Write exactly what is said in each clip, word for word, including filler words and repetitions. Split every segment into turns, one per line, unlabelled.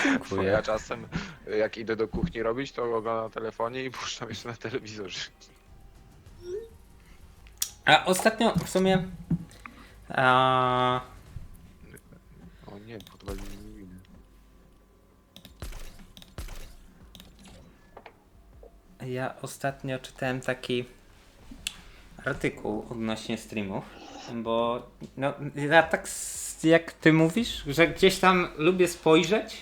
Bo
Dziękuję.
ja czasem, jak idę do kuchni robić, to oglądam na telefonie i puszczam jeszcze na telewizorze.
A ostatnio w sumie... A,
O nie, podwalili mi winę.
ja ostatnio czytałem taki artykuł odnośnie streamów, bo no, ja tak s- jak ty mówisz, że gdzieś tam lubię spojrzeć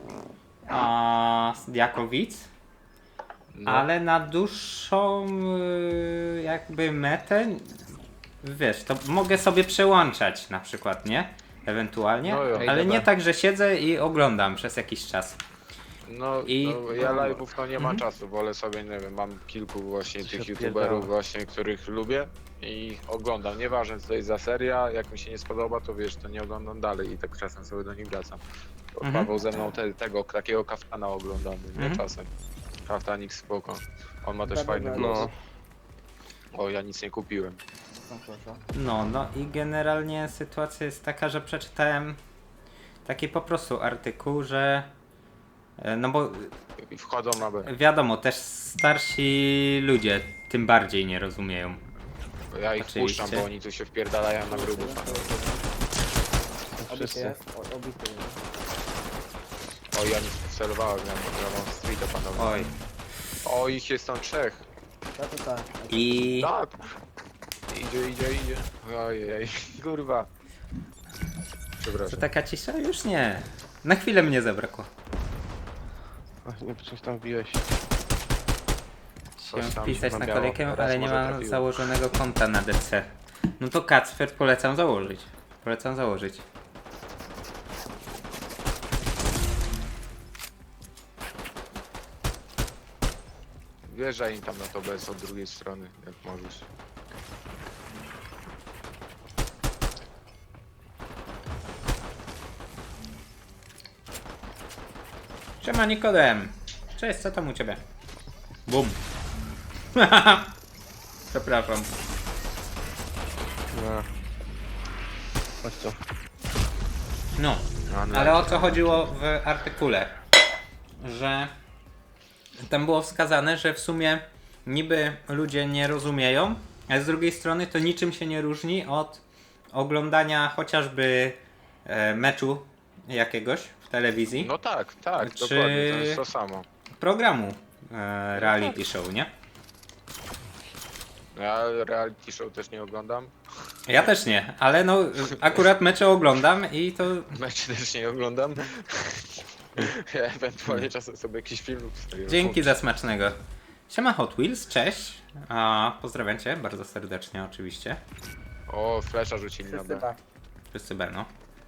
a, jako widz,
No,
ale na dłuższą y, jakby metę, wiesz, to mogę sobie przełączać na przykład, nie? Ewentualnie,
No jo.
ale
Ej,
nie
dobra.
tak, że siedzę i oglądam przez jakiś czas.
no,
I-
no ja live'ów to nie ma
Mhm.
czasu, wolę sobie, nie wiem, mam kilku właśnie
Się
tych
odpierdala.
youtuberów właśnie, których lubię i oglądam. Nieważne co to jest za seria, jak mi się nie spodoba, to wiesz, to nie oglądam dalej i tak czasem sobie do nich wracam. Bo
Mhm.
Paweł ze mną te, tego, takiego kaftana oglądamy, nie
Mhm.
czasem. Kaftanik spoko. On ma też
Dobra,
fajny
dobra.
głos.
No.
O, ja nic nie kupiłem.
No proszę.
No, no i generalnie sytuacja jest taka, że przeczytałem taki po prostu artykuł, że e, no bo
I wchodzą na B.
wiadomo, też starsi ludzie tym bardziej nie rozumieją.
Ja ich
Oczywiście.
wpuszczam, bo oni tu się wpierdalają na grubo.
Obity
Wszyscy.
jest, o- obity jest.
O, ja nic nie celowałem, ja ja mam streeta panowie.
Oj.
O, ich jest tam trzech.
To to tak.
I
Tak. Idzie, idzie, idzie. Ojej, kurwa.
to
Przepraszam.
taka cisza? Już nie. Na chwilę mnie zabrakło.
Ach, nie, coś tam wbiłeś.
Coś
Chciałem
tam
wpisać
się
na
nabiało.
kolejkę,
Raz
ale nie
może
mam
trafiło.
założonego konta na D C. No to Kacper polecam założyć. Polecam założyć.
Wjeżdżaj im tam na to bez od drugiej strony, jak możesz.
Siema Nikodem. Cześć, co tam u ciebie? Bum. Przepraszam.
No. Chodź tu.
No,
No, no,
ale o co chodziło w artykule? Że tam było wskazane, że w sumie niby ludzie nie rozumieją, ale z drugiej strony to niczym się nie różni od oglądania chociażby e, meczu jakiegoś w telewizji,
No tak, tak,
Czy-
dokładnie, to jest to samo.
programu e, reality show, nie?
Ja reality show też nie oglądam.
Ja też nie, ale no akurat mecze oglądam i to
Mecz też nie oglądam. Ja ewentualnie czasem sobie jakiś film wstawię.
dzięki za smacznego. Siema Hot Wheels, cześć. A, pozdrawiam cię bardzo serdecznie oczywiście.
O, flesza rzucili na
Wszyscy
B.
tak.
Wszyscy Berno.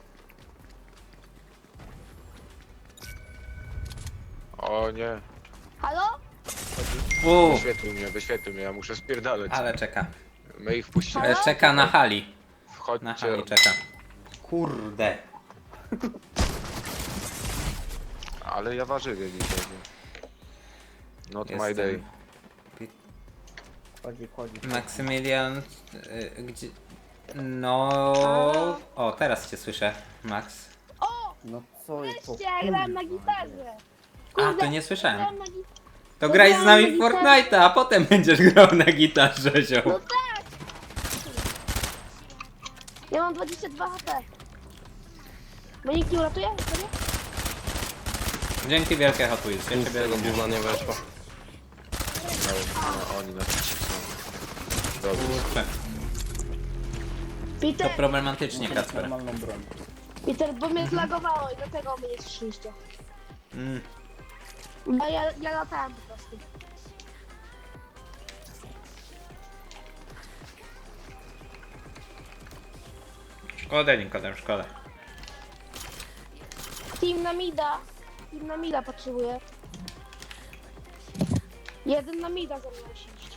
O nie,
Halo?
Uuu,
wyświetlił mnie, wyświetlił mnie, ja muszę spierdalać.
ale czeka.
My ich wpuścimy.
E, czeka na hali. Na
Wchodźcie.
hali czeka. Kurde.
Ale ja warzywie dzisiaj. nie? Not my
Jestem.
day.
Chodzi, chodzi.
Maksymilian, y, gdzie... No... O, teraz cię słyszę, Max.
O!
No co jest po
Wreszcie, ja grałem na gitarze.
A, to nie słyszałem.
grałem na gitarze.
To graj z nami w Fortnite'a, a potem będziesz grał na gitarze,
No
zioł.
tak! Ja mam dwadzieścia dwa H P. Bo nikt nie uratuje? Serio?
Dzięki wielkie Hot Wheels, ja
Nic z
ciebie
tego
lubię.
gówna nie weszło.
No, no, oni na trzeci są. Dobrze.
Kurczę, to
Peter,
problematycznie, Kacper.
normalną broń.
Peter, bo mnie zlagowało i dlatego mnie nie słyszeliście.
Mm.
No ja, ja latałem po prostu.
Szkoda, Nikodem, szkoda.
Team na mida. Team na mida potrzebuje. Jeden na mida ze mną musi iść.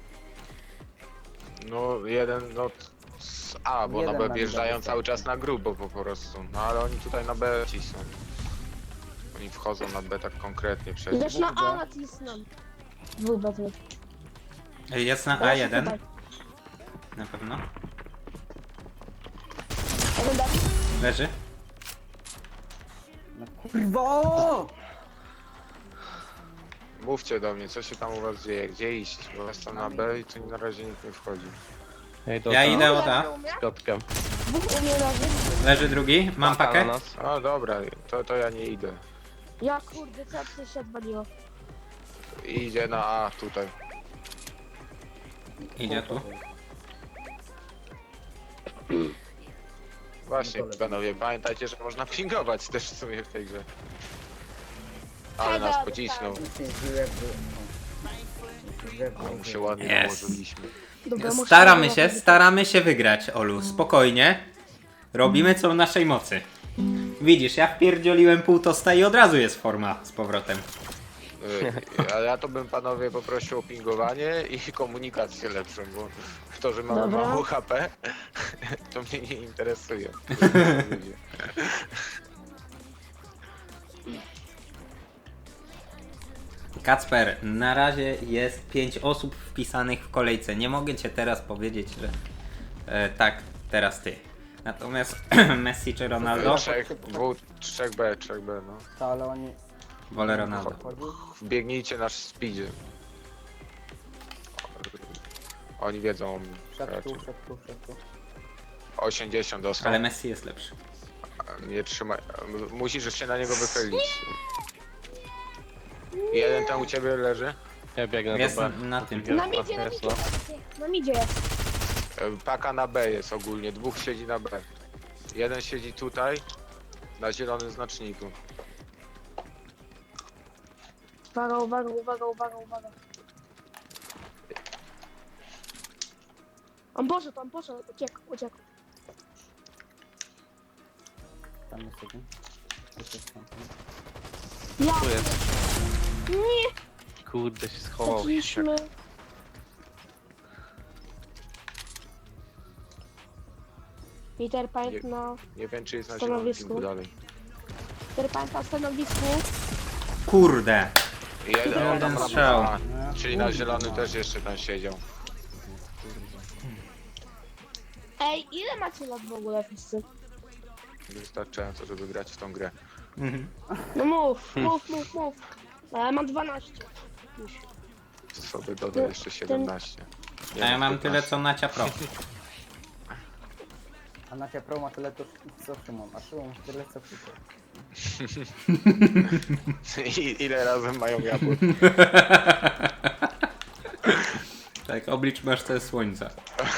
No jeden, no z A, bo
Jeden
na B
na
wjeżdżają
B
cały czas na grubo po prostu. No ale oni tutaj na B ci są. Oni wchodzą na B tak konkretnie przecież.
Też na A nacisnę. Dwóch batów.
Jest na A jeden, na pewno.
Jeden Dawid.
Leży.
No Kurwa!
Mówcie do mnie, co się tam u was dzieje, gdzie iść, bo jestem na B i tu na razie nikt nie wchodzi.
Ej, do
Ja
tam,
idę od A.
Leży u mnie?
z Piotrkiem.
Dwóch u mnie leży.
Leży drugi. Mam
Paka
pakę.
na nas.
O dobra, to, to ja nie idę.
Ja kurde, co coś się odwaliło.
Idzie na A tutaj.
Idzie tu.
Właśnie,
No to
panowie, pamiętajcie, że można pingować też w sumie w tej grze. Ale
Hejda,
nas pocisnął.
Nic nie zbiłem,
A mu się ładnie
Yes.
nałożyliśmy.
Dobra, muszę
Staramy
zobaczyć.
się, staramy się wygrać, Olu. Spokojnie. Robimy co w naszej mocy. Widzisz, ja wpierdzieliłem pół tosta i od razu jest forma z powrotem.
Y, Ale ja to bym panowie poprosił o pingowanie i komunikację lepszą, bo to, że mamy
Dobra.
mało H P, to mnie nie interesuje.
Kacper, na razie jest pięć osób wpisanych w kolejce. Nie mogę cię teraz powiedzieć, że e, tak, teraz ty. Natomiast Messi czy Ronaldo?
Trzech, dwóch, trzech B, trzech B, no.
to, ale oni...
Wolę Ronaldo.
Chodzi?
Wbiegnijcie na speedzie. Oni wiedzą o mnie.
Szedł
raczej.
tu, szedł tu, szedł tu.
osiemdziesiąt dostał.
Ale Messi jest lepszy.
Nie trzymaj. Musisz się na niego wychylić. Jeden tam u ciebie leży.
Ja biegnę
Jest
do B.
na tym.
Na midzie, na
Jest,
midzie.
no.
Na midzie jest.
E, Paka na B jest ogólnie. Dwóch siedzi na B. Jeden siedzi tutaj. Na zielonym znaczniku.
Uwaga, uwaga, uwaga, uwaga, uwaga. On poszedł, on poszedł, uciekł, uciekł.
Tam jest jeden. Tu jest tam.
Ja,
Tu jest.
nie,
Kurde, się schował.
traciliśmy. Peter Pan
Nie-
na...
Nie wiem czy jest na
Stanowisku.
zielonym pingu dalej.
Peter Pan na stanowisku.
Kurde!
Jeden, on tam
Jeden
na
strzał.
A, czyli na zielonym też jeszcze tam siedział.
Ej, ile macie lat w ogóle wszyscy?
Wystarczająco, żeby grać w tą grę.
Mhm.
No mów, mów, mów, mów. A ja mam dwanaście. Już.
To sobie dodaj jeszcze siedemnaście.
A ja mam tyle co Nacia Pro.
A na ciebie pro ma tyle to co Szymon, a Szymon ma tyle co Peter.
I, ile razem mają jabłek?
Tak, oblicz masz te słońca.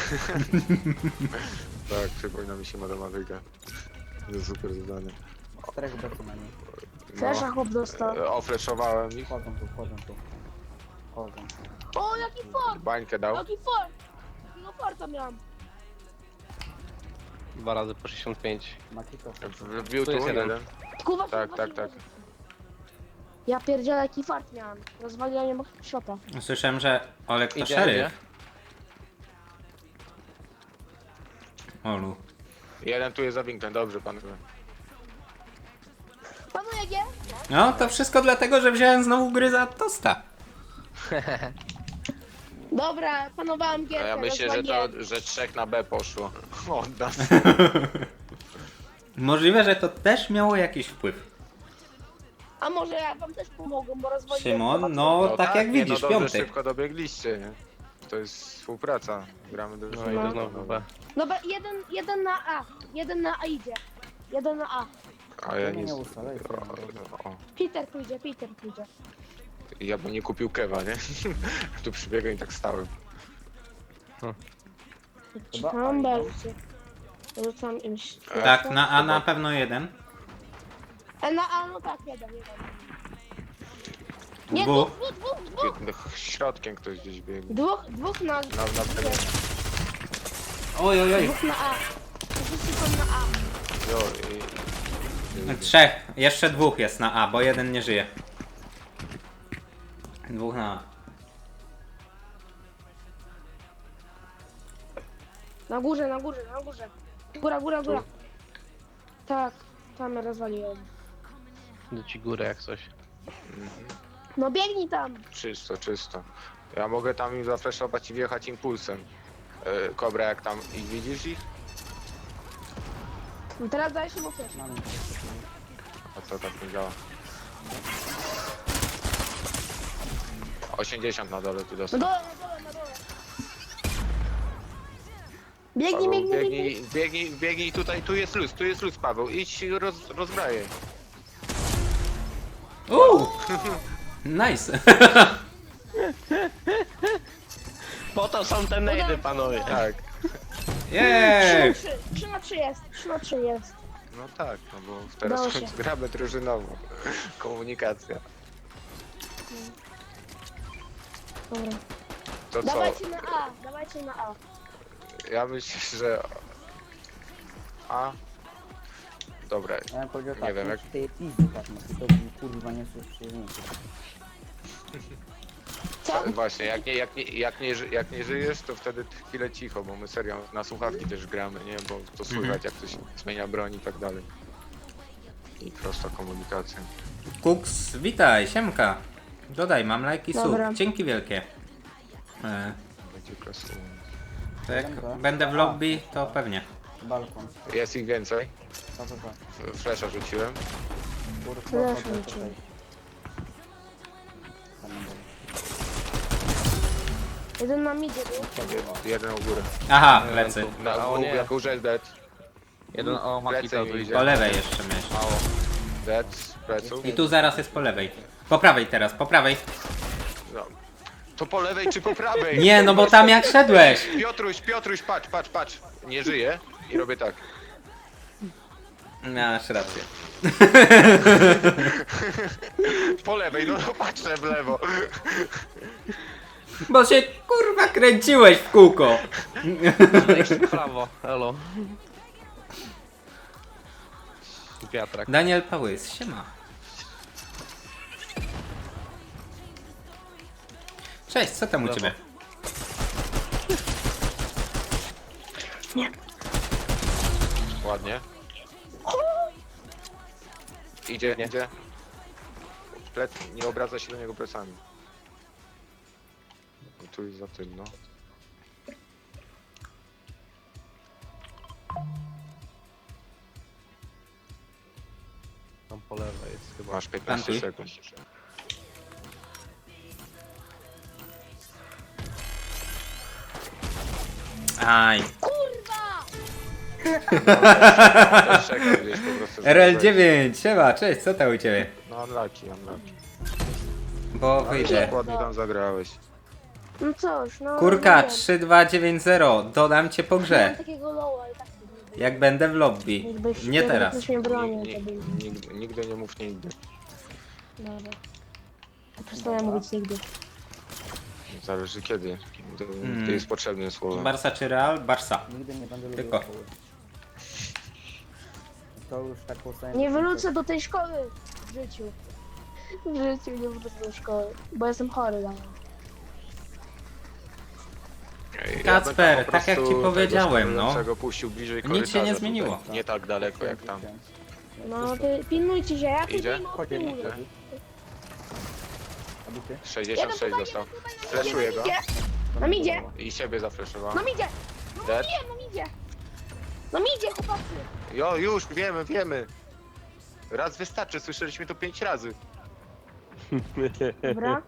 Tak, przypomina mi się matematyka. To jest super zadanie.
Czterech betu na nim.
Flesza chłop dostał.
E, Ofleszowałem ich.
Wchodzą tu, wchodzą tu. Wchodzą.
O, jaki fort!
Bańkę dał.
Jaki fort! Jakiego forta miałam?
Dwa razy po sześćdziesiąt pięć.
Makito.
Wbił
Tu
tu
jest jeden.
jeden.
Kuwa,
Tak, tak, tak.
Ja pierdzielę jaki fart miałam. Rozwaliłem mu szota.
Słyszałem, że Olek to
Idzie,
szeryf.
idzie.
Olu.
Jeden tu jest za winklem, dobrze panowie.
Panuje G?
No, to wszystko dlatego, że wziąłem znowu gry za tosta.
Dobra, panowałam
A
gierkę,
ja myślę, że
rozwaliłem.
to, że trzech na B poszło. Od nas.
Możliwe, że to też miało jakiś wpływ.
A może ja wam też pomogłem, bo rozwaliłem...
Szymon,
chyba
no tak jak
nie,
widzisz,
no dobrze,
piąty.
szybko dobiegliście, nie? To jest współpraca. Gramy do
No idę znowu B.
Dobra, jeden, jeden na A. Jeden na A idzie. Jeden na A.
A ja
Nie,
nie...
nie ustalaj,
O, o.
Peter pójdzie, Peter pójdzie.
Ja bym nie kupił kewa, nie? Tu przybiegłem i tak stałem.
Chyba
Mam
A,
belcie. Rzucam im...
E,
Tak, na A na pewno jeden.
E, na A, no tak, jeden, jeden. Nie,
Dwóch.
dwóch, dwóch, dwóch, dwóch.
Środkiem ktoś gdzieś biegł.
Dwóch, dwóch na...
Na, na terenie.
Oj, oj, oj.
Dwóch na A. Wszyscy są na A.
Jo, i, i,
Trzech. Jeszcze dwóch jest na A, bo jeden nie żyje. Dwóch na A.
Na górze, na górze, na górze. Góra, góra, góra. Tak, tam rozwaliłem.
Do ci górę jak coś.
No biegnij tam.
czysto, czysto. Ja mogę tam im zafreszować i wjechać impulsem. E, Kobra, jak tam ich widzisz ich?
No teraz dajesz mu flash.
Mamy.
A to tak nie działa. osiemdziesiąt na dole tu
Na
dostał.
dole, na dole, na dole. Biegnij,
Paweł,
biegnij, biegnij.
biegnij, biegnij, biegnij tutaj, tu jest luz, tu jest luz, Paweł. Idź roz, rozbrajaj.
Uuu! Nice.
Po to są te nejdy, panowie.
Tak,
Jej!
trzy na trzy, trzy na trzy jest, trzy na trzy jest.
no tak, no bo teraz
Udało się.
gramy drużynowo. Komunikacja.
Dobra.
To co?
Dawajcie na A, dawajcie na A.
Ja myślę, że... A? Dobra,
Ja bym powiedział
Nie
tak,
wiem,
nie
jak-
tej pizdy tak, no to by, kurwa nie słyszy nic.
Co?
właśnie, jak nie, jak, nie, jak, nie, ży- jak nie żyjesz, to wtedy chwilę cicho, bo my serio na słuchawki też gramy, nie? Bo to słychać, jak ktoś zmienia broń i tak dalej. I prosta komunikacja.
Kuks, witaj, siemka. Dodaj, mam lajki sub.
Dobra.
Dzięki wielkie. E,
Będzie klasowo.
to jak
Dobra.
będę w lobby, to pewnie.
Balkon.
Jest ich więcej.
Co to za?
F- Flesza rzuciłem.
Kurwa,
Flash
chodzę
rzucił.
tutaj. Tam na dole.
Jeden na midzie był.
Jed- Jeden u góry.
Aha, lecy.
Na
A, o
u,
nie.
jak u Red dead.
Jeden o
Plecy
Makita
mi
tu
idzie.
idzie.
Po lewej jeszcze mieć.
Mało. Dead z pleców.
I tu zaraz jest po lewej. Po prawej teraz, po prawej.
No. To po lewej czy po prawej?
Nie, no bo tam jak szedłeś.
Piotruś, Piotruś, patrz, patrz, patrz. Nie żyje. I robię tak.
Masz rację.
Po lewej, no, no patrzę w lewo.
Bo się kurwa kręciłeś w kółko.
Jeszcze w prawo, elo. Wiatrak.
Daniel Pałys, siema. Cześć, co tam u
Brawo.
ciebie?
Ładnie. Idzie,
Nie.
idzie. Plec, nie obraca się do niego plecami. I tu jest za tym, no.
Tam po lewej jest chyba.
Masz piętnaście
Plantuj.
sekund.
Aj.
Kurwa!
Też czekam gdzieś po prostu. żeby
R L
wejść.
dziewięć, siema, cześć, co tam u ciebie?
No unlucky, unlucky.
Bo
Ale
wyjdę.
ładnie tam zagrałeś.
No cóż, no...
Kurka
nie wiem.
trzy dwa dziewięć zero, dodam cię po
Miałem
grze.
takiego loła i tak nie wyjdzie.
Jak będę w lobby.
Jakbyś-
Nie teraz.
Jakbyś mnie bronił,
Nig-
to by...
nig- Nigdy, nigdy nie mów nigdy.
Dobra. To przestaję mówić nigdy.
Zależy kiedy. To,
Mm.
to jest potrzebne słowo.
Barsa czy Real? Barsa.
Nigdy nie będę lubił
Tylko.
szkoły. To już tak powstanie.
Nie wrócę do tej szkoły w życiu. W życiu nie wrócę do szkoły, bo jestem chory dalej.
Ja
Kacper,
bym po
tak jak ci
prostu
powiedziałem,
tego
no.
stojącego puścił bliżej
Nic się nie
korytarza
zmieniło.
Tutaj. Nie tak daleko jak tam.
No ty pilnujcie się, ja tu
Idzie?
pilnuję.
Chodź,
pilnuję.
Emil. Abity?
sześćdziesiąt sześć dostał. Fleszuję go.
Na midzie,
I siebie zafleszowałem.
na midzie,
Dead.
nie, na midzie. Na midzie, chłopacy.
Jo, już, wiemy, wiemy. Raz wystarczy, słyszeliśmy to pięć razy.
Dobra.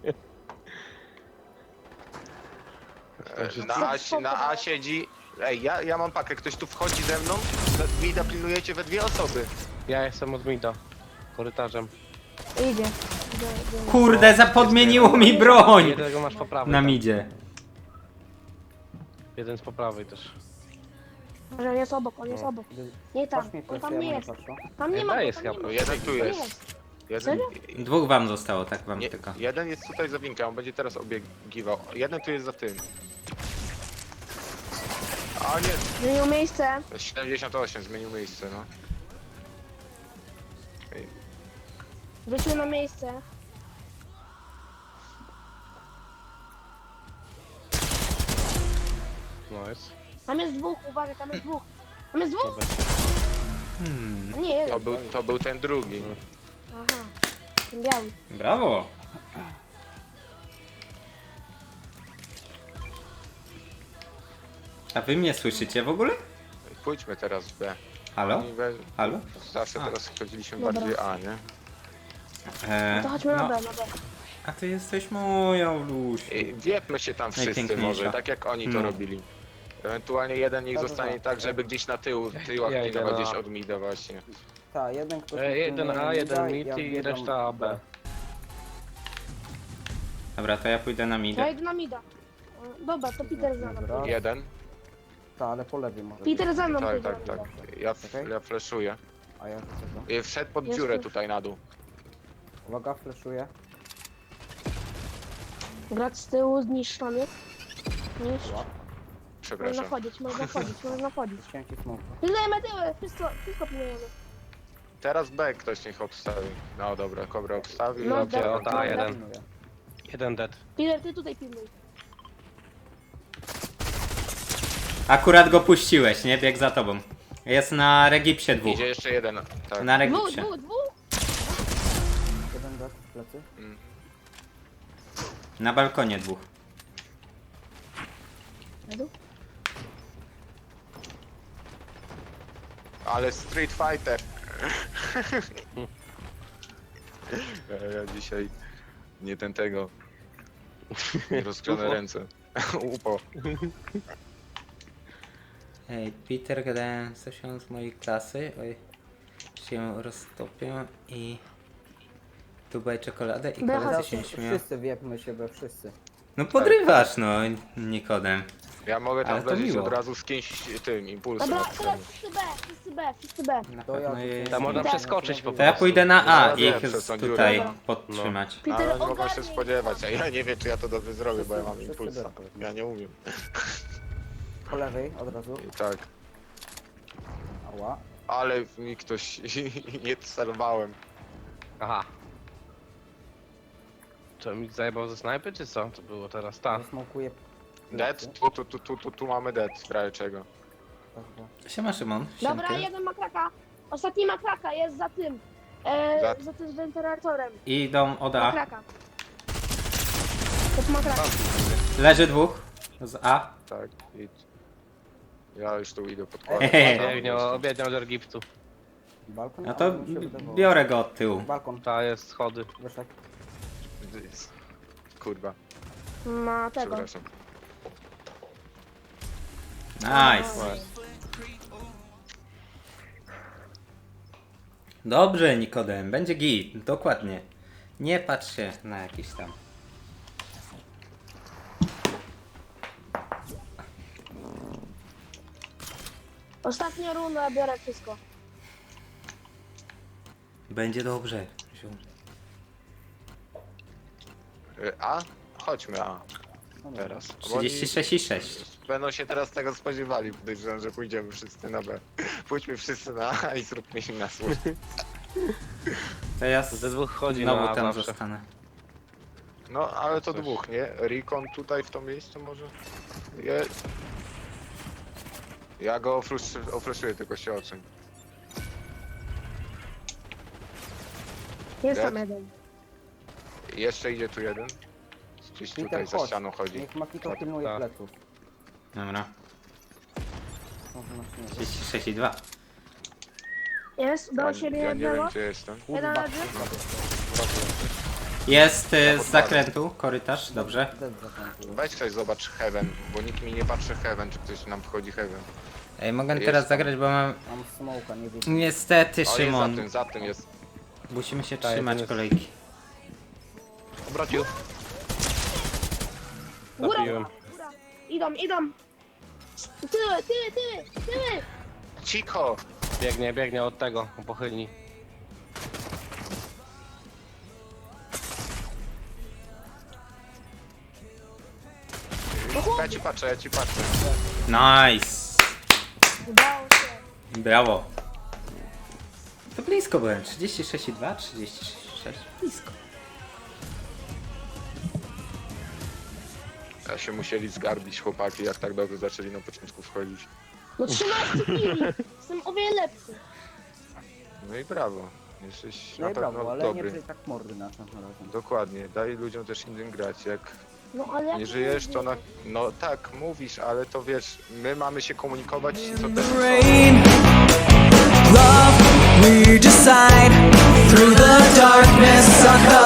E, Na A, si- na A siedzi... Ej, ja, ja mam pakę, ktoś tu wchodzi ze mną? Mida pilnujecie we dwie osoby.
Ja jestem od Mida. Korytarzem.
Idzie. Idzie, idzie.
Kurde, zapodmieniło mi broń!
Jednego masz po prawej.
Na
tam.
midzie.
Jeden z po prawej też.
Może on jest obok, on jest obok. Nie tam,
Patrz mnie,
on
to
tam
ja
nie
mu
jest.
patrzę.
Tam nie ma,
Daję
go, tam nie
schab-
ma.
Jeden tu
To nie
jest.
jest.
Jeden,
Serio?
Dwóch wam zostało, tak wam
nie,
tylko.
jeden jest tutaj za winką, on będzie teraz obiegiwał. Jeden tu jest za tym. A nie,
Zmienił miejsce.
siedemdziesiąt osiem zmienił miejsce, no.
Wrócił na miejsce.
No jest.
Tam jest dwóch, uwaga, tam jest dwóch. Tam jest dwóch?
Hmm,
A nie, jeden.
To był, to był ten drugi.
Aha, ten biały.
brawo. A wy mnie słyszycie w ogóle?
Pójdźmy teraz w B.
Halo?
Oni we...
Halo?
Zawsze
A.
teraz chodziliśmy
Dobra.
bardziej A, nie?
E,
No to chodźmy na
no,
B, na B.
a ty jesteś moją, Lusiu.
I wiepmy się tam wszyscy
Najpiękniejsza.
może, tak jak oni to
No.
robili. Ewentualnie jeden niech
Dobra.
zostanie tak, żeby gdzieś na tył, tyłach
Ja idę
pilnować
na-
gdzieś od mida właśnie.
Tak, jeden ktoś...
E, jeden
pilnuje
A, jeden
mida,
mid
ja
i
wbiegam
reszta A, B.
Dobra, to ja pójdę na
Ja
midę.
idę na mida. E, Dobra, to Peter za mną.
Dobra.
Jeden?
Tak, ale po lewej może.
Peter za mną
Tak,
pójdzie.
tak, tak. Ja, f-
Okej.
ja flashuję.
A ja czego?
I wszedł pod
Jest
dziurę
już.
tutaj na dół.
Uwaga, fleszuję.
Grać z tyłu, zniszczony. Niszcz. Można
Przepraszam.
wchodzić, można wchodzić, można wchodzić.
Chciałem ci smoka.
Pilnujemy tyły, wszystko, wszystko pilnujemy.
Teraz B ktoś niech obstawi. No dobra, Kobra obstawi.
No
ja
dobra,
biorę.
o, tak,
dobra.
jeden.
Pilnuję.
Jeden dead.
Peter, ty tutaj pilnuj.
Akurat go puściłeś, nie? Bieg za tobą. Jest na Regipsie dwóch.
Idzie jeszcze jeden. Tak.
Na
Dwóch,
Regipsie.
dwóch, dwóch.
Jeden dead w plecy.
Mm.
Na balkonie dwóch.
Ale Street Fighter. ja, ja dzisiaj nie ten tego. Rozgrzane ręce. Upo.
Ej, Peter, gadałem z osią z mojej klasy. Oj, się roztopię i... Dubaj czekoladę i
Dobra,
koledzy
Teraz
się nie śmieją.
wszyscy wiepmy się we wszyscy.
No podrywasz, no, Nikodem.
Ja mogę
Ale
tam
to
wleźć
miło.
od razu z kimś tym impulsem.
Dobra,
od
teraz
tyłu.
wszyscy B, wszyscy B, wszyscy B.
Na
To ja
pewno
tu
jest...
Tam można
Tak.
przeskoczyć po
To ja
prostu.
pójdę na A
No,
i ich
wiem, przez tą
tutaj
dziurę.
podtrzymać.
No,
Peter,
ale nie mogę się
ogarnij.
spodziewać, a ja nie wiem czy ja to dobrze zrobię, bo ja mam
Wszyscy
impulsa.
dobrze.
Ja nie umiem.
Po lewej od razu.
I tak.
Ała.
Ale w mi ktoś nie celowałem.
Aha. Co, mi zajebał ze snajpy, czy co? To było teraz, ta.
Zasmokuję.
Dead? Tu, tu, tu, tu, tu, tu mamy dead, w razie czego.
Siema Szymon,
Dobra,
siemka.
jeden ma kraka. Ostatni ma kraka, jest za tym. E,
Za-
za... tym wentylatorem.
I idą od
Ma
A.
kraka. To ma kraka.
Leży dwóch z A.
Tak, idź. Ja już tu idę podkładać.
Hehe.
Biegnie, biegnie od Egiptu.
Balkon?
No
A,
to
mi się wydawało.
biorę go od tyłu.
Balkon.
Ta jest schody.
Wyszedł.
Kurwa,
Ma tego.
przepraszam.
Nice. Dobrze Nikodem, będzie git, dokładnie. Nie patrz się na jakiś tam.
Ostatnia runda, biorę wszystko.
Będzie dobrze.
Y, A? Chodźmy A
No dobra.
teraz. Bo
trzydzieści sześć i sześć.
oni Będą się teraz tego spodziewali, podejrzewam, że pójdziemy wszyscy na B. Pójdźmy wszyscy na A i zróbmy im na słuch.
To ja
Ze dwóch chodzi
znowu
na
tam
zawsze.
zostanę.
No, ale to
Coś.
dwóch, nie? Recon tutaj w to miejsce może? Je... Ja go ofrusz- ofruszuję, tylko się oceń.
Jest
Dead?
tam jeden.
Jeszcze idzie tu jeden. Gdzieś
Peter,
tutaj za
chodź.
ścianą chodzi.
Niech Makito
Tak,
pilnuje
tak.
pleców.
Dobra.
Może na śniegu.
trzydzieści sześć i dwa.
Jest, do
Ja,
siebie
ja nie wiem
jednego.
gdzie jestem.
Jeden
Kurwa.
leży.
Jest y, z
podkładam.
zakrętu, korytarz, dobrze.
Dead zakończył.
Weź ktoś zobacz Heaven, bo nikt mi nie patrzy Heaven, czy ktoś nam wchodzi Heaven.
Ej, mogę
Jest
teraz
tam.
zagrać, bo mam...
Mam smoka, nie widzę.
Niestety
O, jest za
Szymon,
tym, za tym jest.
musimy się
Tak,
trzymać
jest.
kolejki.
Obrócił.
Góra,
Zabiłem.
góra, góra. Idą, idą. Tyły, tyły, tyły, tyły.
Cicho!
Biegnie, biegnie od tego, u pochylni.
Ja ci patrzę, ja ci patrzę.
Nice!
Udało się.
Brawo. To blisko byłem. trzydzieści sześć i dwa, trzydzieści sześć. Blisko.
Ja się musieli zgarbić chłopaki, jak tak dobrze zaczęli na początku wchodzić.
No trzynaście kili. Jestem o wiele lepszy.
No i brawo. Jesteś
No
na
i brawo,
pewno
ale nie
dobry.
przy tak mordy następnym razem.
Dokładnie, daj ludziom też innym grać. Jak
No ale jak
nie żyjesz, to na...
mówię.
No tak, mówisz, ale to wiesz, my mamy się komunikować, co też...
rain. we decide through the darkness on the